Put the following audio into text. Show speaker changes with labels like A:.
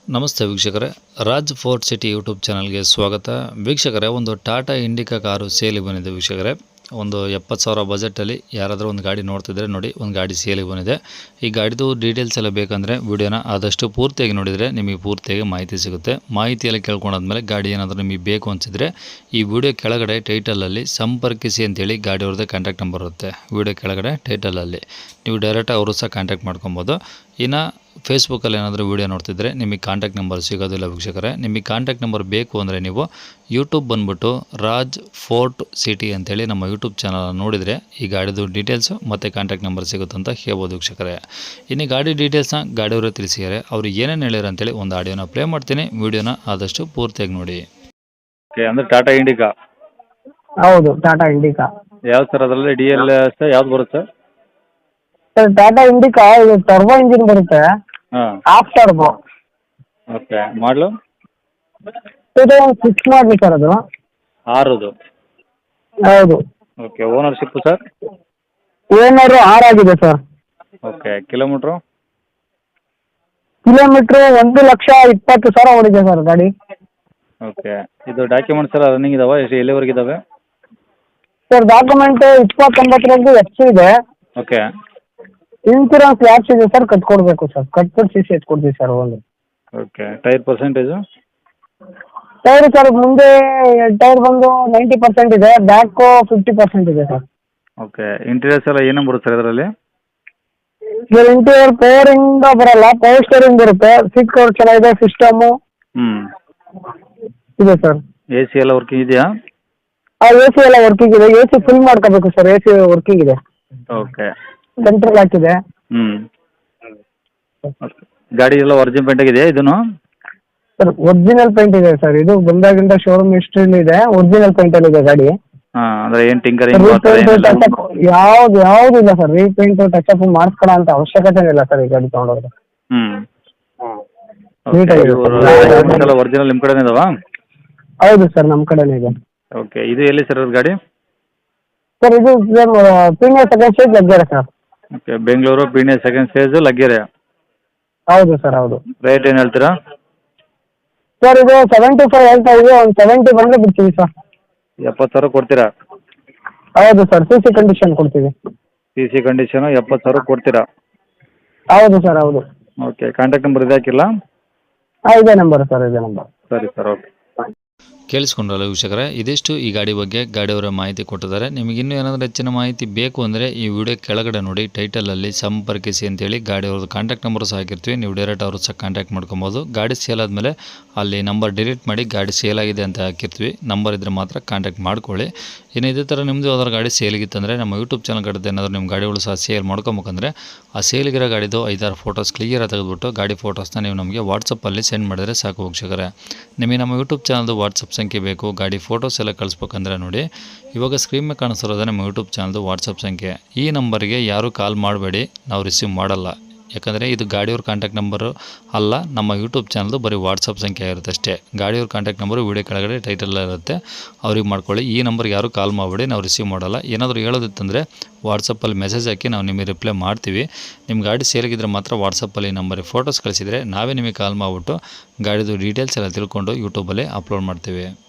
A: ನಮಸ್ತೆ ವೀಕ್ಷಕರೇ, Raj fort city YouTube ಚಾನಲ್ಗೆ ಸ್ವಾಗತ. ವೀಕ್ಷಕರೇ, ಒಂದು ಟಾಟಾ ಇಂಡಿಕಾ ಕಾರು ಸೇಲಿಗೆ ಬಂದಿದೆ ವೀಕ್ಷಕರೇ. ಒಂದು 70,000 ಬಜೆಟಲ್ಲಿ ಯಾರಾದರೂ ಒಂದು ಗಾಡಿ ನೋಡ್ತಿದ್ರೆ ನೋಡಿ, ಒಂದು ಗಾಡಿ ಸೇಲಿಗೆ ಬಂದಿದೆ. ಈ ಗಾಡಿದು ಡೀಟೇಲ್ಸ್ ಎಲ್ಲ ಬೇಕಂದರೆ ವಿಡಿಯೋನ ಆದಷ್ಟು ಪೂರ್ತಿಯಾಗಿ ನೋಡಿದರೆ ನಿಮಗೆ ಪೂರ್ತಿಯಾಗಿ ಮಾಹಿತಿ ಸಿಗುತ್ತೆ. ಮಾಹಿತಿಯೆಲ್ಲ ಕೇಳ್ಕೊಂಡಾದ್ಮೇಲೆ ಗಾಡಿ ಏನಾದರೂ ನಿಮಗೆ ಬೇಕು ಅನಿಸಿದರೆ ಈ ವಿಡಿಯೋ ಕೆಳಗಡೆ ಟೈಟಲಲ್ಲಿ ಸಂಪರ್ಕಿಸಿ ಅಂತೇಳಿ ಗಾಡಿಯವ್ರದ್ದೇ ಕಾಂಟ್ಯಾಕ್ಟ್ ನಂಬರ್ ಇರುತ್ತೆ. ವಿಡಿಯೋ ಕೆಳಗಡೆ ಟೈಟಲಲ್ಲಿ ನೀವು ಡೈರೆಕ್ಟ್ ಅವರು ಸಹ ಕಾಂಟ್ಯಾಕ್ಟ್ ಮಾಡ್ಕೊಬೋದು. ಇನ್ನು ಫೇಸ್ಬುಕ್ಕಲ್ಲಿ ಏನಾದರೂ ವೀಡಿಯೋ ನೋಡ್ತಿದ್ರೆ ನಿಮಗೆ ಕಾಂಟ್ಯಾಕ್ಟ್ ನಂಬರ್ ಸಿಗೋದಿಲ್ಲ ವೀಕ್ಷಕರೇ. ನಿಮಗೆ ಕಾಂಟ್ಯಾಕ್ಟ್ ನಂಬರ್ ಬೇಕು ಅಂದರೆ ನೀವು ಯೂಟ್ಯೂಬ್ ಬಂದುಬಿಟ್ಟು ರಾಜ್ ಫೋರ್ಟ್ ಸಿಟಿ ಅಂತೇಳಿ ನಮ್ಮ ಯೂಟ್ಯೂಬ್ ಚಾನಲ್ ನೋಡಿದರೆ ಈ ಗಾಡಿದು ಡೀಟೇಲ್ಸು ಮತ್ತು ಕಾಂಟ್ಯಾಕ್ಟ್ ನಂಬರ್ ಸಿಗುತ್ತೆ ಅಂತ ಹೇಳ್ಬೋದು ವೀಕ್ಷಕರೇ. ಇನ್ನು ಗಾಡಿ ಡೀಟೇಲ್ಸ್ನ ಗಾಡಿಯವರು ತಿಳಿಸಿದ್ದಾರೆ. ಅವರು ಏನೇನು ಹೇಳ್ಯಾರ ಅಂತೇಳಿ ಒಂದು ಆಡಿಯೋನ ಪ್ಲೇ ಮಾಡ್ತೀನಿ. ವೀಡಿಯೋನ ಆದಷ್ಟು ಪೂರ್ತಿಯಾಗಿ ನೋಡಿ.
B: ಓಕೆ, ಅಂದರೆ ಟಾಟಾ ಇಂಡಿಕಾ.
C: ಹೌದು, ಟಾಟಾ ಇಂಡಿಕಾ.
B: ಯಾವ್ದು ಸರ್ ಅದರಲ್ಲಿ ಡಿ ಎಲ್ ಎಸ್ ಯಾವ್ದು ಬರುತ್ತೆ?
C: ಸರ್ ಟಾಟಾ ಇಂಡಿಕಾ ಇದು ಟರ್ಬೋ ಇಂಜಿನ್ ಬರುತ್ತೆ,
B: ಹಾಂ,
C: ಹಾಫ್ ಟರ್ಬೋ.
B: ಓಕೆ. ಮಾಡಲು
C: 2006 ಮಾಡಲಿ ಸರ್ ಅದು.
B: 6.
C: ಹೌದು.
B: ಓಕೆ. Ownership sir?
C: ಓನರು 6 ಆಗಿದೆ ಸರ್.
B: ಓಕೆ. ಕಿಲೋಮೀಟ್ರು?
C: ಕಿಲೋಮೀಟ್ರು 1,20,000 ಓಡಿದೆ ಸರ್ ಗಾಡಿ.
B: ಓಕೆ. ಇದು ಡಾಕ್ಯುಮೆಂಟ್ಸ್ ಎಲ್ಲ ರನ್ನಿಂಗ್ ಇದಾವೆ? ಎಷ್ಟು ಎಲ್ಲಿವರೆಗೆ ಇದಾವೆ?
C: ಸರ್ ಡಾಕ್ಯುಮೆಂಟ್ 29 ಎಫ್ಸಿ ಇದೆ.
B: ಓಕೆ.
C: ಇನ್ಸೂರೆನ್ಸ್ ಲ್ಯಾಪ್ಸ್ ಇದೆ ಸರ್, ಕಟ್ಕೊಡ್ಬೇಕು ಸರ್. ಕಟ್ಬಿಟ್ಟು CC ಎತ್ಕೊಡ್ತೀವಿ ಸರ್ ಒಂದು.
B: Okay. Tyre percentage?
C: Tyre sir ಮುಂದೆ ಟೈರ್ ಬಂದು 90% ಇದೆ, ಬ್ಯಾಕು 50% ಇದೆ ಸರ್.
B: ಓಕೆ. ಇಂಟೀರಿಯರ್ಸ್ ಎಲ್ಲ ಏನೇನು ಬರುತ್ತೆ ಸರ್ ಇದರಲ್ಲಿ?
C: ಸರ್ ಇಂಟೀರಿಯರ್ ಪವರಿಂದ ಬರಲ್ಲ, ಪವರ್ ಸ್ಟೇರಿಂಗ್ ಬರುತ್ತೆ, ಸೀಟ್ ಕವರ್ ಚೆನ್ನಾಗಿದೆ, ಸಿಸ್ಟಮು ಇದೆ ಸರ್.
B: ಎ ಸಿ ಎಲ್ಲ ವರ್ಕಿಂಗ್ ಇದೆಯಾ?
C: AC ಎಲ್ಲ ವರ್ಕಿಂಗ್ ಇದೆ. AC ಫುಲ್ ಮಾಡ್ಕೋಬೇಕು ಸರ್. AC ವರ್ಕಿಂಗ್ ಇದೆ,
B: ಓಕೆ.
C: ಸೆಂಟ್ರಲ್ ಹಾಕಿದೆ.
B: ಗಾಡಿ ಎಲ್ಲ ಒರಿಜಿನಲ್ ಪೇಂಟ್ ಆಗಿದೆಯಾ ಇದನ್ನು?
C: ಸರ್ ಒರಿಜಿನಲ್ ಪೇಂಟ್ ಇದೆ ಸರ್. ಇದು ಬಂದಾಗಿಂದ ಶೋರೂಮ್ ಹಿಸ್ಟ್ರಿಲಿ ಇದೆ, ಒರಿಜಿನಲ್ ಪೇಂಟಲ್ಲಿ ಇದೆ ಗಾಡಿ.
B: ಹಾಂ, ಅಂದರೆ ಏನು ಟಿಂಕರಿಂಗ್
C: ಯಾವ್ದು ಇಲ್ಲ ಸರ್. ರೀಪೇಂಟ್ ಟಚಪ್ ಮಾಡಿಸ್ಕೊಳ್ಳೋ ಅಂತ ಅವಶ್ಯಕತೆ ಇಲ್ಲ ಸರ್ ಈ ಗಾಡಿ ತೊಗೊಂಡೋದ್ರೆ.
B: ನೀಟಾಗಿದೆ. ಒರಿಜಿನಲ್ ನಿಮ್ಮ ಕಡೆನೇ ಇದಾವಾ?
C: ಹೌದು ಸರ್, ನಮ್ಮ ಕಡೆನೇ ಇದೆ.
B: ಓಕೆ. ಇದು ಎಲ್ಲಿ ಸರ್ ಅದು ಗಾಡಿ?
C: ಸರ್ ಇದು Peenya second stage Laggere sir.
B: Okay. Bengaluru Peenya second stage Laggere.
C: ಹೌದು ಸರ್, ಹೌದು.
B: ರೇಟ್ ಏನು ಹೇಳ್ತೀರಾ?
C: ಸರ್ ಇದು 75 ಹೇಳ್ತಾ ಇದೆ, ಒಂದು 70 ಬಂದರೆ ಬಿಡ್ತೀವಿ ಸರ್.
B: 70,000 ಕೊಡ್ತೀರಾ?
C: ಹೌದು ಸರ್, CC ಕಂಡೀಷನ್ ಕೊಡ್ತೀವಿ.
B: CC ಕಂಡೀಷನು 70,000 ಕೊಡ್ತೀರಾ?
C: ಹೌದು ಸರ್, ಹೌದು.
B: ಓಕೆ. ಕಾಂಟ್ಯಾಕ್ಟ್ ನಂಬರ್ ಇದು ಹಾಕಿಲ್ಲ?
C: ಇದೇ ನಂಬರ್ ಸರ್, ಇದೇ ನಂಬರ್.
B: ಸರಿ ಸರ್, ಓಕೆ.
A: ಕೇಳಿಸ್ಕೊಂಡ್ರಲ್ಲ ವೀಕ್ಷಕರೇ, ಇದಿಷ್ಟು ಈ ಗಾಡಿ ಬಗ್ಗೆ ಗಾಡಿಯವರ ಮಾಹಿತಿ ಕೊಟ್ಟಿದ್ದಾರೆ. ನಿಮಗೆ ಇನ್ನೂ ಏನಾದರೂ ಹೆಚ್ಚಿನ ಮಾಹಿತಿ ಬೇಕು ಅಂದರೆ ಈ ವಿಡಿಯೋ ಕೆಳಗಡೆ ನೋಡಿ ಟೈಟಲಲ್ಲಿ ಸಂಪರ್ಕಿಸಿ ಅಂತೇಳಿ ಗಾಡಿಯವ್ರದ್ದು ಕಾಂಟ್ಯಾಕ್ಟ್ ನಂಬರ್ ಸಹ ಹಾಕಿರ್ತೀವಿ. ನೀವು ಡೈರೆಕ್ಟ್ ಅವರು ಸಹ ಕಾಂಟ್ಯಾಕ್ಟ್ ಮಾಡ್ಕೊಬೋದು. ಗಾಡಿ ಸೇಲ್ ಆದಮೇಲೆ ಅಲ್ಲಿ ನಂಬರ್ ಡಿಲೀಟ್ ಮಾಡಿ ಗಾಡಿ ಸೇಲ್ ಆಗಿದೆ ಅಂತ ಹಾಕಿರ್ತೀವಿ. ನಂಬರ್ ಇದ್ದರೆ ಮಾತ್ರ ಕಾಂಟ್ಯಾಕ್ಟ್ ಮಾಡ್ಕೊಳ್ಳಿ. ಇನ್ನು ಇದೇ ಥರ ನಿಮ್ಮದು ಯಾವ್ದಾದ್ರು ಗಾಡಿ ಸೇಲಿಗಿತ್ತಂದರೆ ನಮ್ಮ ಯೂಟ್ಯೂಬ್ ಚಾನಲ್ ಕಡೆ ಏನಾದರೂ ನಿಮ್ಮ ಗಾಡಿಗಳು ಸಹ ಸೇಲ್ ಮಾಡ್ಕೊಬೇಕಂದ್ರೆ ಆ ಸೇಲಿಗಿರೋ ಗಾಡಿದು 5-6 ಫೋಟೋಸ್ ಕ್ಲಿಯರಾಗಿ ತೆಗೆದುಬಿಟ್ಟು ಗಾಡಿ ಫೋಟೋಸ್ನ ನೀವು ನಮಗೆ ವಾಟ್ಸಪ್ಪಲ್ಲಿ ಸೆಂಡ್ ಮಾಡಿದರೆ ಸಾಕು ವೀಕ್ಷಕರೇ. ನಿಮಗೆ ನಮ್ಮ ಯೂಟ್ಯೂಬ್ ಚಾನಲ್ದು ವಾಟ್ಸಪ್ ಸಂಖ್ಯೆ ಬೇಕು, ಗಾಡಿ ಫೋಟೋಸ್ ಎಲ್ಲ ಕಳಿಸ್ಬೇಕಂದ್ರೆ ನೋಡಿ ಇವಾಗ ಸ್ಕ್ರೀನ್ ಮೇಲೆ ಕಾಣಿಸ್ತಿರೋದೇ ನಮ್ಮ ಯೂಟ್ಯೂಬ್ ಚಾನಲ್ದು ವಾಟ್ಸಪ್ ಸಂಖ್ಯೆ. ಈ ನಂಬರ್ಗೆ ಯಾರೂ ಕಾಲ್ ಮಾಡಬೇಡಿ, ನಾವು ರಿಸೀವ್ ಮಾಡಲ್ಲ. ಯಾಕಂದರೆ ಇದು ಗಾಡಿಯವ್ರ ಕಾಂಟ್ಯಾಕ್ಟ್ ನಂಬರು ಅಲ್ಲ, ನಮ್ಮ ಯೂಟ್ಯೂಬ್ ಚಾನಲ್ದು ಬರೀ ವಾಟ್ಸಪ್ ಸಂಖ್ಯೆ ಇರುತ್ತೆ ಅಷ್ಟೇ. ಗಾಡಿಯವ್ರ ಕಾಂಟ್ಯಾಕ್ಟ್ ನಂಬರು ವೀಡಿಯೋ ಕೆಳಗಡೆ ಟೈಟಲ್ ಇರುತ್ತೆ, ಅವ್ರಿಗೆ ಮಾಡ್ಕೊಳ್ಳಿ. ಈ ನಂಬರ್ಗೆ ಯಾರೂ ಕಾಲ್ ಮಾಡಬೇಡಿ, ನಾವು ರಿಸೀವ್ ಮಾಡಲ್ಲ. ಏನಾದರೂ ಹೇಳೋದಿತ್ತಂದರೆ ವಾಟ್ಸಪ್ಪಲ್ಲಿ ಮೆಸೇಜ್ ಹಾಕಿ ನಾವು ನಿಮಗೆ ರಿಪ್ಲೈ ಮಾಡ್ತೀವಿ. ನಿಮ್ಮ ಗಾಡಿ ಸೇಲಿಗಿದ್ರೆ ಮಾತ್ರ ವಾಟ್ಸಪ್ಪಲ್ಲಿ ನಂಬರಿಗೆ ಫೋಟೋಸ್ ಕಳಿಸಿದರೆ ನಾವೇ ನಿಮಗೆ ಕಾಲ್ ಮಾಡಿಬಿಟ್ಟು ಗಾಡಿದು ಡೀಟೇಲ್ಸ್ ಎಲ್ಲ ತಿಳ್ಕೊಂಡು ಯೂಟ್ಯೂಬಲ್ಲಿ ಅಪ್ಲೋಡ್ ಮಾಡ್ತೀವಿ.